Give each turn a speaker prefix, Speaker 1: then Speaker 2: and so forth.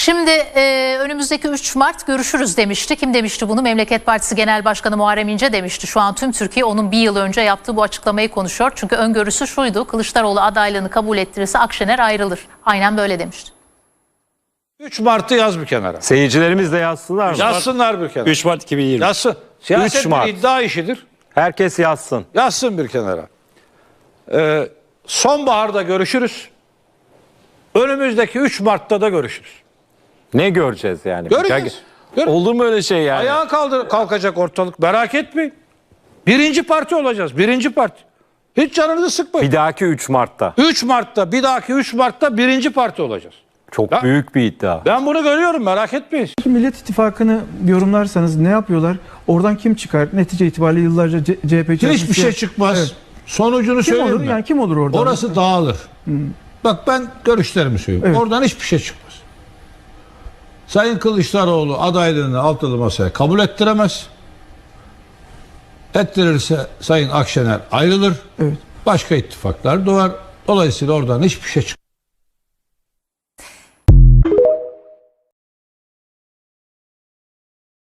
Speaker 1: Şimdi önümüzdeki 3 Mart görüşürüz demişti. Kim demişti bunu? Memleket Partisi Genel Başkanı Muharrem İnce demişti. Şu an tüm Türkiye onun bir yıl önce yaptığı bu açıklamayı konuşuyor. Çünkü öngörüsü şuydu: Kılıçdaroğlu adaylığını kabul ettirirse Akşener ayrılır. Aynen böyle demişti.
Speaker 2: 3 Mart'ı yaz bir kenara.
Speaker 3: Seyircilerimiz de yazsınlar mı?
Speaker 2: Yazsınlar bir kenara.
Speaker 3: 3 Mart 2020.
Speaker 2: Yazsın. Siyaset
Speaker 3: 3 Mart.
Speaker 2: bir iddia işidir.
Speaker 3: Herkes yazsın.
Speaker 2: Yazsın bir kenara. Sonbaharda görüşürüz. Önümüzdeki 3 Mart'ta da görüşürüz.
Speaker 3: Ne göreceğiz yani?
Speaker 2: Göreceğiz.
Speaker 3: Olur mu öyle şey yani?
Speaker 2: Ayağa kalkacak ortalık. Merak etmeyin. Birinci parti olacağız. Birinci parti. Hiç canınızı sıkmayın.
Speaker 3: Bir dahaki 3 Mart'ta.
Speaker 2: 3 Mart'ta, bir dahaki 3 Mart'ta birinci parti olacağız.
Speaker 3: Çok büyük bir iddia.
Speaker 2: Ben bunu görüyorum, merak etmeyin.
Speaker 4: Millet İttifakı'nı yorumlarsanız ne yapıyorlar? Oradan kim çıkar? Netice itibariyle yıllarca CHP
Speaker 5: Hiçbir şey çıkmaz.
Speaker 4: Evet.
Speaker 5: Sonucunu
Speaker 4: Kim
Speaker 5: söyleyeyim
Speaker 4: olur?
Speaker 5: mi?
Speaker 4: Yani kim olur orada?
Speaker 5: Orası dağılır. Bak ben görüşlerimi söyleyeyim.
Speaker 4: Evet.
Speaker 5: Oradan hiçbir şey çıkmaz. Sayın Kılıçdaroğlu adaylığını altılı masaya kabul ettiremez. Ettirirse Sayın Akşener ayrılır.
Speaker 4: Evet.
Speaker 5: Başka ittifaklar doğar. Dolayısıyla oradan hiçbir şey çıkmaz.